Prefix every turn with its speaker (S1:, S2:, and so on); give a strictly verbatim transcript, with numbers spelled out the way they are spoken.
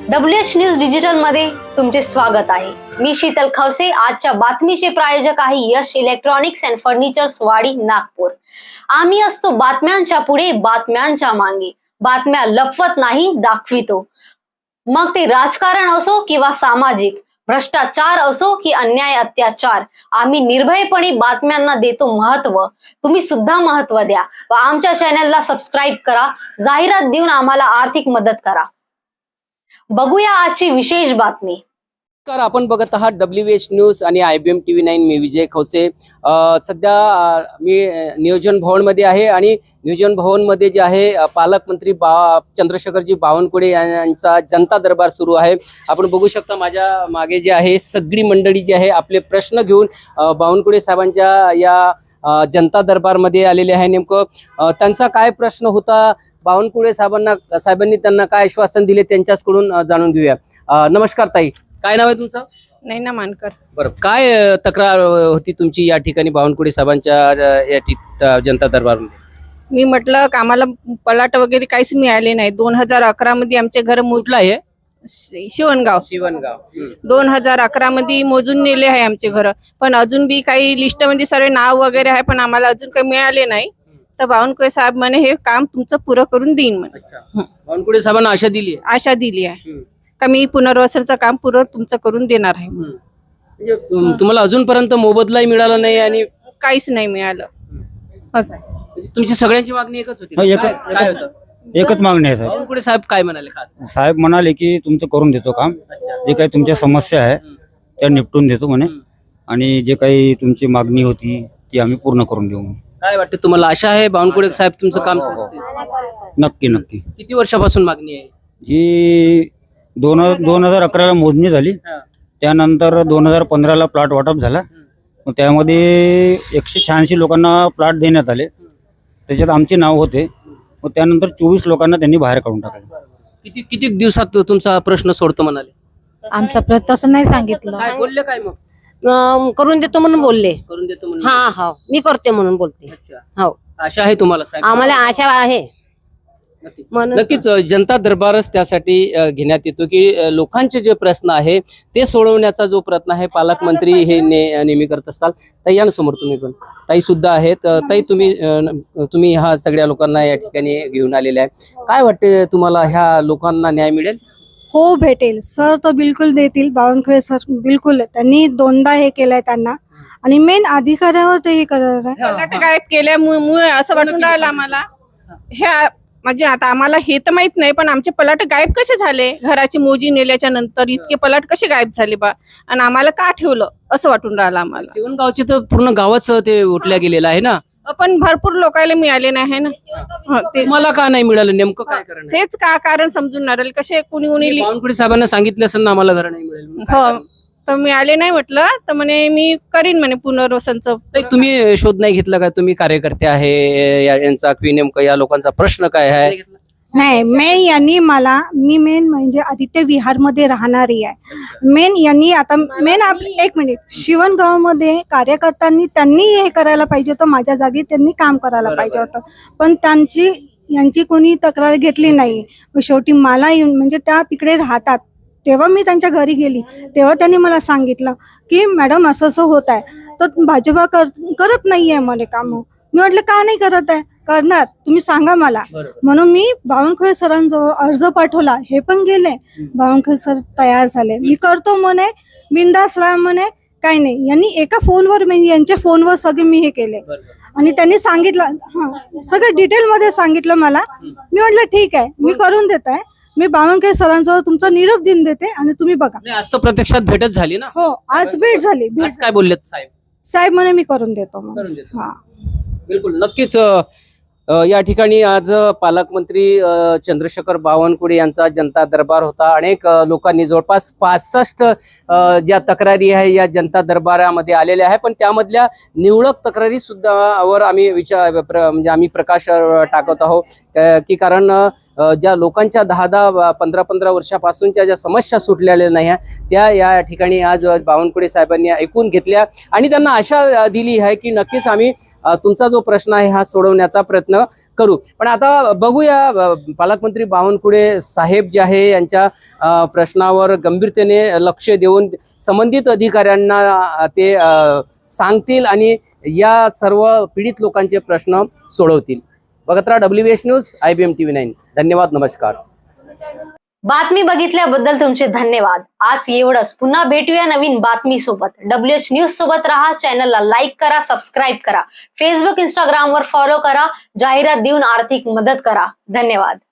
S1: W H news digital मध्ये तुमचे स्वागत आहे। मी शीतल खवसे। आजच्या बातमीचे प्रायोजक आहे यश इलेक्ट्रॉनिक्स अँड फर्निचर्स वाडी नागपूर। आम्ही असतो बातम्यांच्या पुढे, बातम्यांच्या मागे, बातम्या लपवत नाही, दाखवितो। मग ते राजकारण असो किंवा सामाजिक, भ्रष्टाचार असो की अन्याय अत्याचार, आम्ही निर्भयपणे बातम्यांना देतो महत्व। तुम्ही सुद्धा महत्व द्या व आमच्या चॅनलला सबस्क्राईब करा, जाहिरात देऊन आम्हाला आर्थिक मदत करा। बघूया आजची विशेष बातमी।
S2: नमस्कार, आपण बघत आहात डब्ल्यू एच न्यूज आणि I B M T V nine. मी विजय खवसे। सध्या मी नियोजन भवन मध्ये आहे आणि नियोजन भवन मध्ये जे आहे पालकमंत्री बा चंद्रशेखरजी बावनकुळे यांचा जनता दरबार सुरू आहे। आपण बघू शकता माझ्या मागे जे आहे सगळी मंडळी जी आहे आपले प्रश्न घेऊन बावनकुळे साहेबांच्या या जनता दरबार मध्ये आलेले आहे। नेमकं त्यांचा काय प्रश्न होता, बावनकुळे साहेबांना साहेबांनी त्यांना काय आश्वासन दिले त्यांच्याकडून जाणून घेऊया। नमस्कार ताई, काय नाव आहे तुमचं?
S3: नैना मानकर।
S2: बरं, काय तक्रार होती तुमची या ठिकाणी बावनकुळे साहेबांच्या या जनता दरबारमध्ये?
S3: मी म्हटलं का आम्हाला पलाट वगैरे काहीच मिळाले नाही। दोन हजार अकरा मध्ये आमचे घर
S2: कुठलं आहे?
S3: शिवणगाव
S2: शिवणगाव
S3: दोन हजार अकरा मध्ये मोजून नेले आहे आमचे घर, पण अजून बी काही लिस्ट मध्ये सर्व नाव वगैरे आहे, पण आम्हाला अजून काही मिळाले नाही। तर बावनकुळे साहेब म्हणे हे काम तुमचं पुरं करून देईन म्हणे।
S2: बावनकुळे साहेबांना आशा दिली आहे?
S3: आशा दिली आहे का मी पुनर्वसनचं काम पुरं तुमचं करून देणार आहे।
S2: म्हणजे तुम्हाला अजूनपर्यंत मोबदलाही मिळाला नाही आणि
S3: काहीच नाही मिळालं असं आहे।
S2: म्हणजे तुमची सगळ्यांची मागणी एकच होती?
S4: एकच-
S2: काय- काय होतं?
S4: एकच मागणी आहे साहेब।
S2: बावनकुळे साहेब काय म्हणाले खास?
S4: साहेब म्हणाले की तुमचं करून देतो काम, जे काही तुमच्या समस्या आहे त्या निपटून देतो म्हणे, आणि जे काही तुमची मागणी होती ती आम्ही पूर्ण करून देऊ म्हणे।
S2: काय वाटतं तुम्हाला, आशा आहे बावनकुळे साहेब तुमचं काम करतील?
S4: नक्की नक्की।
S2: किती वर्षापासून मागणी आहे?
S4: जी दोन दोन हजार अकराला मोजणी झाली, त्यानंतर दोन हजार पंधराला प्लॉट वाटप झाला, मग त्यामध्ये एकशे शहाऐंशी लोकांना प्लॉट देण्यात आले, त्याच्यात आमचे नाव होते। मग त्यानंतर चोवीस लोकांना त्यांनी बाहेर काढून टाकले।
S2: किती किती दिवसात तुमचा प्रश्न सोडतो म्हणाले?
S5: आमचा प्रश्न तसं नाही सांगितलं,
S2: काय बोलले काय मग?
S6: अं, करून देतो म्हणून बोलले।
S2: करून देतो म्हणून?
S6: हा हा मी करते म्हणून बोलते।
S2: अच्छा,
S6: हो,
S2: आशा आहे तुम्हाला साहेब?
S6: आम्हाला आशा आहे
S2: नक्की.
S6: म्हणून
S2: नक्कीच जनता दरबारच त्यासाठी अ, घेण्यात येतो की अ, लोकांचे जे प्रश्न आहे ते सोडवण्याचा जो प्रयत्न आहे पालकमंत्री हे ने, नेहमी करत असतात। ताई या ना समोर, तुम्ही पण ताई सुद्धा आहेत। अ, ताई तुम्ही अ, तुम्ही ह्या सगळ्या लोकांना या ठिकाणी घेऊन आलेले आहे, काय वाटते तुम्हाला, ह्या लोकांना न्याय मिळेल?
S5: हो भेटेल सर, तो बिलकुल देतील। बावनकुळे सर बिलकुल, त्यांनी दोनदा हे केलंय त्यांना, आणि मेन अधिकाऱ्यावर ते हे करणार आहे।
S3: पलाट गायब केल्यामुळे असं वाटून राहिलं आम्हाला। हे म्हणजे आता आम्हाला हे तर माहित नाही, पण आमचे पलाट गायब कसे झाले? घराची मोजी नेल्याच्या नंतर इतके पलाट कसे गायब झाले बा, आणि आम्हाला का ठेवलं असं वाटून राहिलं आम्हाला।
S2: शिवणगावचे तर पूर्ण गावच ते उठल्या गेलेलं आहे ना,
S3: पण भरपूर लोकांना मिळाले नाही आहे ना। हं, ते-
S2: तुम्हाला का नाही मिळालं, नेमकं काय कारण आहे?
S3: तेच का कारण समजून नाही राहिले, कसे कुणी कुणी लि-
S2: बावनकुळे साहेबांना सांगितलं असेल ना आम्हाला घर नाही मिळेल म्हणून. काय
S3: हो,
S2: कारण?
S3: तर मिळाले नाही म्हटलं, तर म्हणे मी करीन म्हणे पुनर्वसनचं।
S2: ताई, तुम्ही शोध नाही घेतला का? तुम्ही कार्यकर्ते आहे या- यांचा की नेमकं या लोकांचा प्रश्न काय आहे?
S5: नाही, मेन यांनी मला, मी मेन म्हणजे आदित्य विहार मध्ये राहणारी आहे। मेन यांनी आता मेन आप एक मिनिट, शिवणगाव मध्ये कार्यकर्त्यांनी त्यांनी हे करायला पाहिजे होतं, माझ्या जागी त्यांनी काम करायला पाहिजे होतं, पण त्यांची यांची कोणी तक्रार घेतली नाही। मग शेवटी मला येऊन, म्हणजे त्या तिकडे राहतात, तेव्हा मी त्यांच्या घरी गेली, तेव्हा त्यांनी मला सांगितलं की मॅडम असं असं होत आहे, तर भाजपा कर करत नाहीये मला काम। मी म्हटलं का नाही करत आहे? करणार, तुम्ही सांगा मला। म्हणून मी बावनकुळे सरांजवळ अर्ज पाठवला, हे पण गेले, बावनकुळे सर तयार झाले, मी करतो म्हणे, बिंदास राहा म्हणे, काही नाही। यांनी एका फोनवर, म्हणजे यांच्या फोनवर सगळे मी हे केले, आणि त्यांनी सांगितलं, हा सगळं डिटेल मध्ये सांगितलं मला। मी म्हटलं ठीक आहे, मी करून देत आहे, मी बावनकुळे सरांजवळ तुमचा निरोप देऊन देते आणि तुम्ही बघा।
S2: नाही, आज तर प्रत्यक्षात भेटच झाली ना?
S5: हो, आज भेट झाली, भेट
S2: आज काय बोललेत साहेब?
S5: साहेब म्हणे मी करून देतो
S2: करून
S5: म्हणे।
S2: देतो.
S5: हा,
S2: बिलकुल, नक्कीच अ, अ, या ठिकाणी आज पालकमंत्री अ, चंद्रशेखर बावनकुळे यांचा जनता दरबार होता। अनेक अ, लोकांनी जवळपास पासष्ट अ, ज्या तक्रारी आहे या जनता दरबारामध्ये आलेल्या आहे, पण त्यामधल्या निवडक तक्रारी सुद्धा वर आम्ही विचार प्र, म्हणजे आम्ही प्रकाश टाकत आहोत की कारण अ, ज्या लोकांच्या दहा दहा पंधरा पंधरा वर्षापासूनच्या ज्या समस्या सुटलेल्या नाही आहे त्या या ठिकाणी आज बावनकुळे साहेबांनी ऐकून घेतल्या आणि त्यांना आशा अ, दिली आहे की नक्कीच आम्ही अ, तुमचा जो प्रश्न आहे हा सोडवण्याचा प्रयत्न करू. पण आता बघूया अ, पालकमंत्री बावनकुळे साहेब जे आहे यांच्या अ, प्रश्नावर गंभीरतेने लक्ष देऊन संबंधित अधिकाऱ्यांना अ, ते अ, सांगतील आणि या सर्व पीडित लोकांचे प्रश्न सोडवतील. बघत राहा W H news I B M T V nine. धन्यवाद, नमस्कार.
S1: बातमी बघितल्याबद्दल तुमचे धन्यवाद. आज एवढंच. पुन्हा भेटूया नवीन बातमी सोबत. डब्ल्यू एच न्यूज सोबत राहा. चॅनलला लाईक करा, सबस्क्राईब करा, फेसबुक इंस्टाग्राम वर फॉलो करा, जाहिरात देऊन आर्थिक मदत करा. धन्यवाद.